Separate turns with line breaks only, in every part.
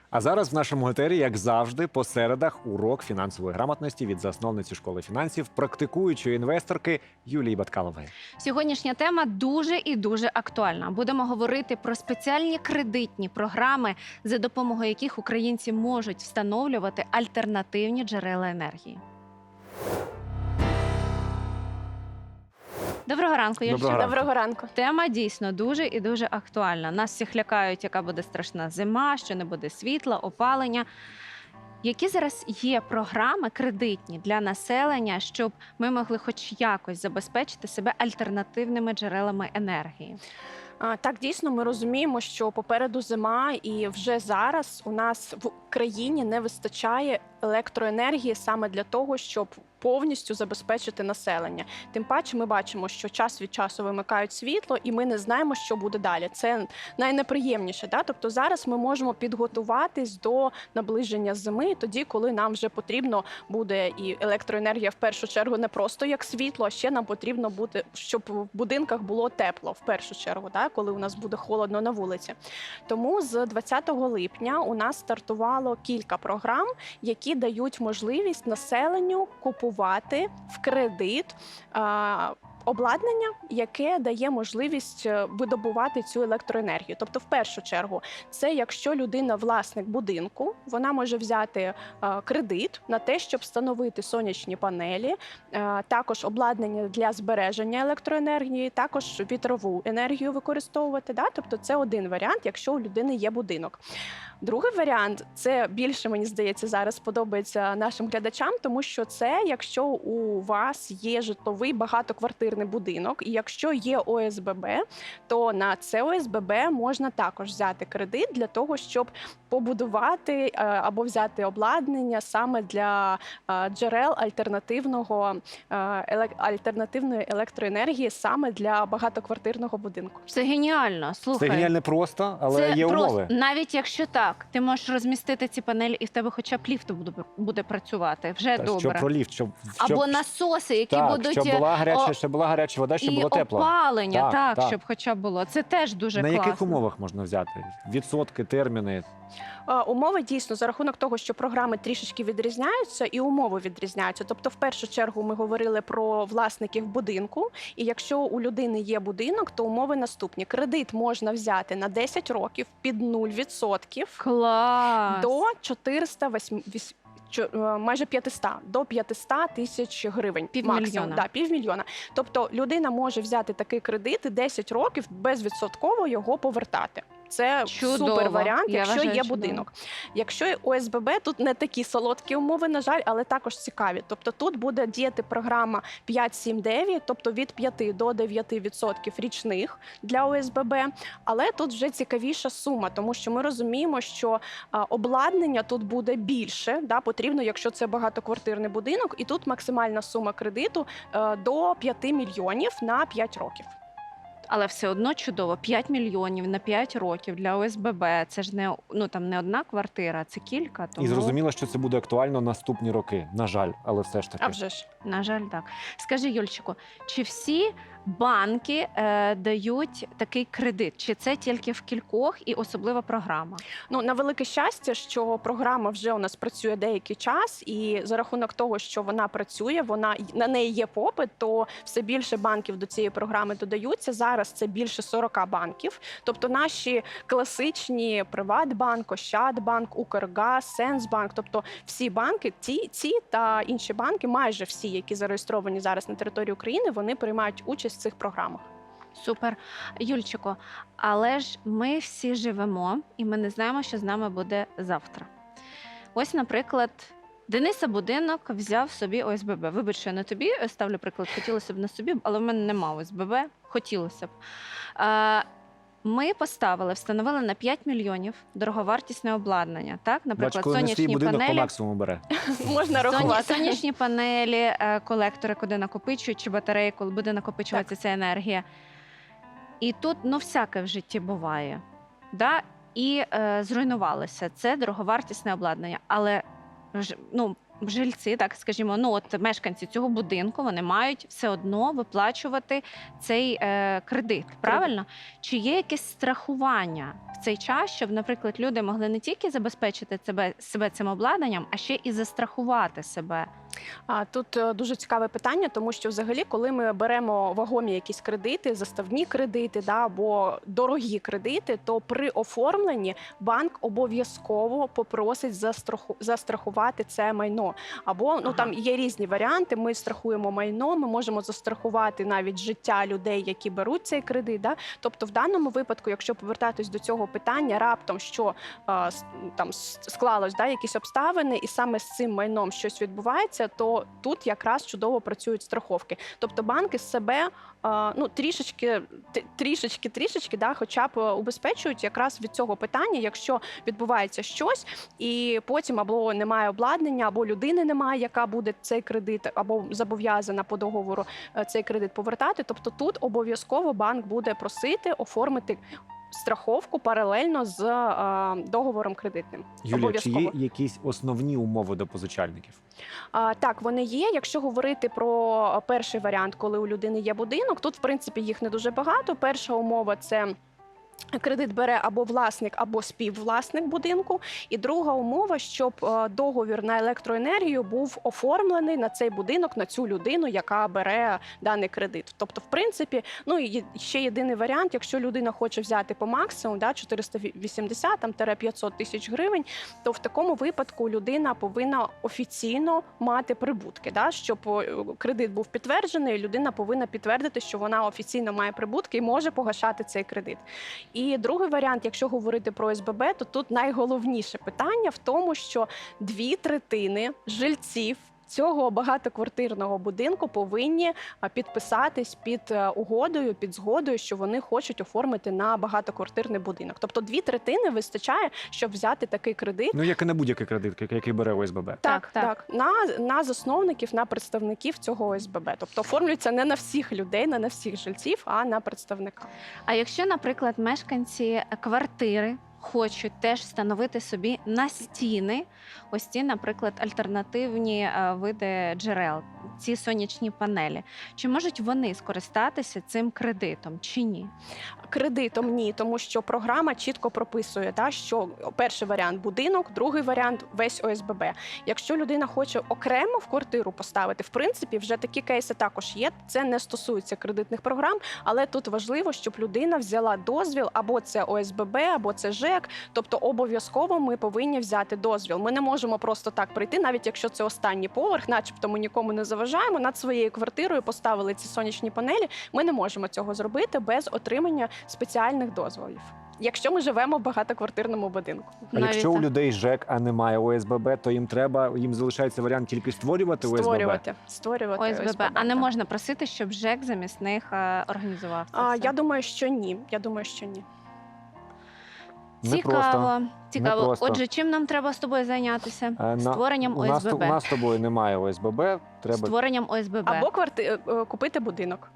А зараз в нашому етері, як завжди, по середах урок фінансової грамотності від засновниці школи фінансів, практикуючої інвесторки Юлії Баткалової.
Сьогоднішня тема дуже і дуже актуальна. Будемо говорити про спеціальні кредитні програми, за допомогою яких українці можуть встановлювати альтернативні джерела енергії. Доброго ранку, Юлічка.
Доброго ранку.
Доброго ранку.
Тема дійсно дуже і дуже актуальна. Нас всіх лякають, яка буде страшна зима, що не буде світла, опалення. Які зараз є програми кредитні для населення, щоб ми могли хоч якось забезпечити себе альтернативними джерелами енергії?
Так, дійсно, ми розуміємо, що попереду зима, і вже зараз у нас в країні не вистачає електроенергії саме для того, щоб повністю забезпечити населення. Тим паче ми бачимо, що час від часу вимикають світло, і ми не знаємо, що буде далі. Це найнеприємніше. Да? Тобто зараз ми можемо підготуватись до наближення зими, тоді, коли нам вже потрібно буде і електроенергія в першу чергу не просто як світло, а ще нам потрібно буде, щоб в будинках було тепло в першу чергу, да? Коли у нас буде холодно на вулиці. Тому з 20 липня у нас стартувало кілька програм, які дають можливість населенню купувати в кредит обладнання, яке дає можливість видобувати цю електроенергію. Тобто, в першу чергу, це якщо людина власник будинку, вона може взяти кредит на те, щоб встановити сонячні панелі, також обладнання для збереження електроенергії, також вітрову енергію використовувати. Да? Тобто це один варіант, якщо у людини є будинок. Другий варіант, це більше, мені здається, зараз подобається нашим глядачам, тому що це, якщо у вас є житловий багатоквартирний будинок, і якщо є ОСББ, то на це ОСББ можна також взяти кредит для того, щоб побудувати або взяти обладнання саме для джерел альтернативної електроенергії саме для багатоквартирного будинку.
Це геніально, слухай.
Це геніально просто, але
Це
є
просто,
умови.
навіть якщо так, ти можеш розмістити ці панелі, і в тебе хоча б ліфт буде працювати. Вже
Та,
добре.
що про ліфт,
Або насоси, які
так,
будуть
щоб була гаряча вода, щоб
і
було тепло.
опалення, так,
так.
щоб хоча б було. Це теж дуже
На
класно.
яких умовах можна взяти? Відсотки, терміни?
Умови дійсно за рахунок того, що програми трішечки відрізняються, і умови відрізняються. Тобто, в першу чергу, ми говорили про власників будинку. І якщо у людини є будинок, то умови наступні: кредит можна взяти на 10 років під 0%
Клас!
до 408. Майже 500, до 500 тисяч гривень.
Півмільйона.
Да, півмільйона. Тобто людина може взяти такий кредит і 10 років безвідсотково його повертати. Це
Чудово.
супер варіант,
Я
якщо
вважаю,
є
чудово.
будинок. Якщо ОСББ, тут не такі солодкі умови, на жаль, але також цікаві. Тобто тут буде діяти програма 5-7-9, тобто від 5 до 9% річних для ОСББ. Але тут вже цікавіша сума, тому що ми розуміємо, що обладнання тут буде більше, да, потрібно, якщо це багатоквартирний будинок, і тут максимальна сума кредиту до 5 мільйонів на 5 років.
Але все одно чудово. 5 мільйонів на 5 років для ОСББ. Це ж не одна квартира, це кілька. Тому...
І зрозуміло, що це буде актуально наступні роки. На жаль, але все ж таки.
А вже ж.
На жаль, так. Скажи, Юльчику, чи всі банки дають такий кредит? Чи це тільки в кількох і особлива програма?
Ну, на велике щастя, що програма вже у нас працює деякий час, і за рахунок того, що вона працює, на неї є попит, то все більше банків до цієї програми додаються. Зараз це більше 40 банків. Тобто наші класичні Приватбанк, Ощадбанк, Укргаз, Сенсбанк, тобто всі банки, ці та інші банки, майже всі, які зареєстровані зараз на території України, вони приймають участь в цих програмах.
Супер. Юльчику, але ж ми всі живемо, і ми не знаємо, що з нами буде завтра. Ось, наприклад, Дениса будинок взяв собі ОСББ. Вибач, що я на тобі ставлю приклад, хотілося б на собі, але в мене нема ОСББ, хотілося б. Ми встановили на 5 мільйонів дороговартісне обладнання. Так? Наприклад,
Бач, коли не свій
сонячні
будинок по
панелі.
максимуму бере.
Можна рахувати.
Сонячні панелі, колектори, куди накопичують, чи батареї, коли буде накопичуватися ця енергія. І тут, всяке в житті буває. Да? І зруйнувалося. Це дороговартісне обладнання. Але жильці, так скажімо, ну от мешканці цього будинку, вони мають все одно виплачувати цей кредит. Правильно? Чи є якесь страхування в цей час, щоб, наприклад, люди могли не тільки забезпечити себе цим обладнанням, а ще і застрахувати себе?
Тут дуже цікаве питання, тому що взагалі, коли ми беремо вагомі якісь кредити, заставні кредити, або дорогі кредити, то при оформленні банк обов'язково попросить застрахувати це майно. Або там є різні варіанти. Ми страхуємо майно, ми можемо застрахувати навіть життя людей, які беруть цей кредит. Тобто, в даному випадку, якщо повертатись до цього питання, раптом що там склалось якісь обставини, і саме з цим майном щось відбувається, то тут якраз чудово працюють страховки. Тобто банки себе трішечки, хоча б убезпечують якраз від цього питання, якщо відбувається щось, і потім або немає обладнання, або людини немає, яка буде цей кредит, або зобов'язана по договору цей кредит повертати. Тобто тут обов'язково банк буде просити оформити страховку паралельно з договором кредитним.
Юлія, чи є якісь основні умови до позичальників?
Так, вони є. Якщо говорити про перший варіант, коли у людини є будинок, тут, в принципі, їх не дуже багато. Перша умова – це кредит бере або власник, або співвласник будинку. І друга умова, щоб договір на електроенергію був оформлений на цей будинок, на цю людину, яка бере даний кредит. Тобто, в принципі, і ще єдиний варіант, якщо людина хоче взяти по максимуму 480-500 тисяч гривень, то в такому випадку людина повинна офіційно мати прибутки. Щоб кредит був підтверджений, людина повинна підтвердити, що вона офіційно має прибутки і може погашати цей кредит. І другий варіант, якщо говорити про ОСББ, то тут найголовніше питання в тому, що 2/3 жильців цього багатоквартирного будинку повинні підписатись під угодою, під згодою, що вони хочуть оформити на багатоквартирний будинок. Тобто 2/3 вистачає, щоб взяти такий кредит.
Як і на будь-який кредит, який бере ОСББ.
Так. На засновників, на представників цього ОСББ. Тобто оформлюється не на всіх людей, не на всіх жильців, а на представника.
А якщо, наприклад, мешканці квартири хочуть теж встановити собі на стіни ось ці, наприклад, альтернативні види джерел, ці сонячні панелі, чи можуть вони скористатися цим кредитом, чи ні?
Кредитом ні, тому що програма чітко прописує, що перший варіант – будинок, другий варіант – весь ОСББ. Якщо людина хоче окремо в квартиру поставити, в принципі, вже такі кейси також є. Це не стосується кредитних програм, але тут важливо, щоб людина взяла дозвіл, або це ОСББ, або це ЖЕК. Тобто обов'язково ми повинні взяти дозвіл. Ми не можемо просто так прийти, навіть якщо це останній поверх, начебто ми нікому не заважаємо, над своєю квартирою поставили ці сонячні панелі. Ми не можемо цього зробити без отримання спеціальних дозволів, якщо ми живемо в багатоквартирному будинку.
А якщо у людей ЖЕК, а немає ОСББ, то їм залишається варіант тільки створювати ОСББ?
Створювати
ОСББ. А не можна просити, щоб ЖЕК замість них організував це все?
Я думаю, що ні.
Цікаво.
Непросто.
Отже, чим нам треба з тобою зайнятися? Створенням
У
ОСББ.
нас з тобою немає ОСББ. Треба...
Створенням ОСББ.
Або купити будинок.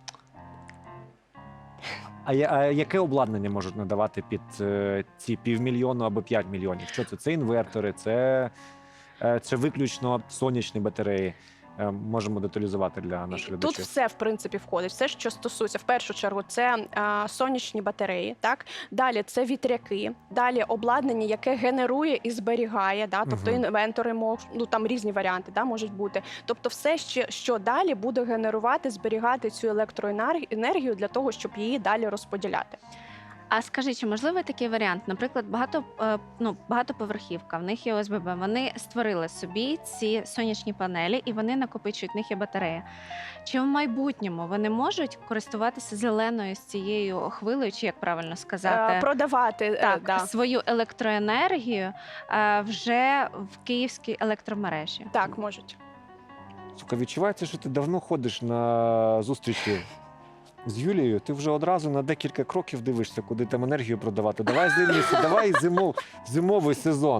А яке обладнання можуть надавати під ці 500 000 або 5 мільйонів? Що це? Це інвертори, це виключно сонячні батареї. Можемо деталізувати для наших глядачів.
Тут все, в принципі, входить. Все, що стосується, в першу чергу, це сонячні батареї, далі це вітряки, далі обладнання, яке генерує і зберігає, тобто інвентори, там різні варіанти можуть бути. Тобто все, що далі буде генерувати, зберігати цю електроенергію для того, щоб її далі розподіляти.
А скажи, чи можливий такий варіант? Наприклад, багатоповерхівка, в них є ОСББ, вони створили собі ці сонячні панелі і вони накопичують, в них є батарея. Чи в майбутньому вони можуть користуватися зеленою з цією хвилею, чи як правильно сказати?
Продавати
свою електроенергію вже в київській електромережі?
Так, можуть.
Сука, відчувається, що ти давно ходиш на зустрічі з Юлією, ти вже одразу на декілька кроків дивишся, куди там енергію продавати. Давай зимовий сезон.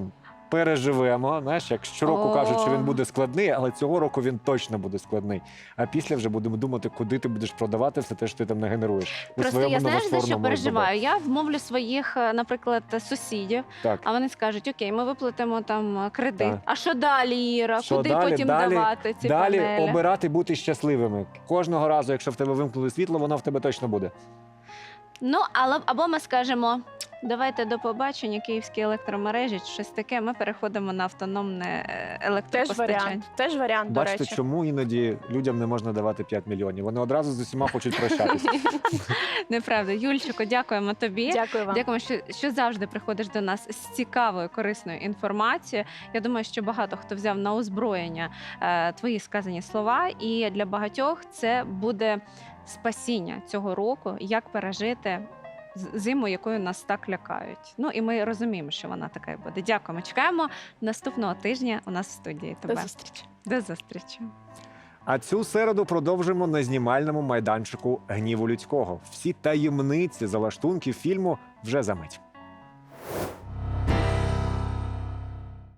переживемо. Знаєш, як щороку
О.
кажуть, що він буде складний, але цього року він точно буде складний. А після вже будемо думати, куди ти будеш продавати все те, що ти там не генеруєш. У
Просто
своєму
я знаєш, за що
новоствореному
переживаю? Я вмовлю своїх, наприклад, сусідів,
СББ. Так.
а вони скажуть: окей, ми виплатимо там кредит.
Так.
А що далі, Іра?
Що
Куди
далі?
потім
Далі-
давати ці
Далі
панелі?
обирати бути щасливими. Кожного разу, якщо в тебе вимкнули світло, воно в тебе точно буде.
Ну, але або ми скажемо: давайте до побачення, київські електромережі, чи щось таке. Ми переходимо на автономне
Теж
електропостачання.
варіант. Теж варіант, до
Бачите,
речі.
чому іноді людям не можна давати 5 мільйонів? Вони одразу з усіма хочуть прощатися.
Неправда. Юльчику, дякуємо тобі.
Дякую вам.
Дякуємо, що завжди приходиш до нас з цікавою, корисною інформацією. Я думаю, що багато хто взяв на озброєння твої сказані слова, і для багатьох це буде спасіння цього року, як пережити зиму, якою нас так лякають. Ну і ми розуміємо, що вона така і буде. Дякуємо. Чекаємо наступного тижня у нас в студії.
До
Тебе
зустрічі.
до зустрічі.
А цю середу продовжимо на знімальному майданчику «Гніву людського». Всі таємниці залаштунків фільму вже за мить.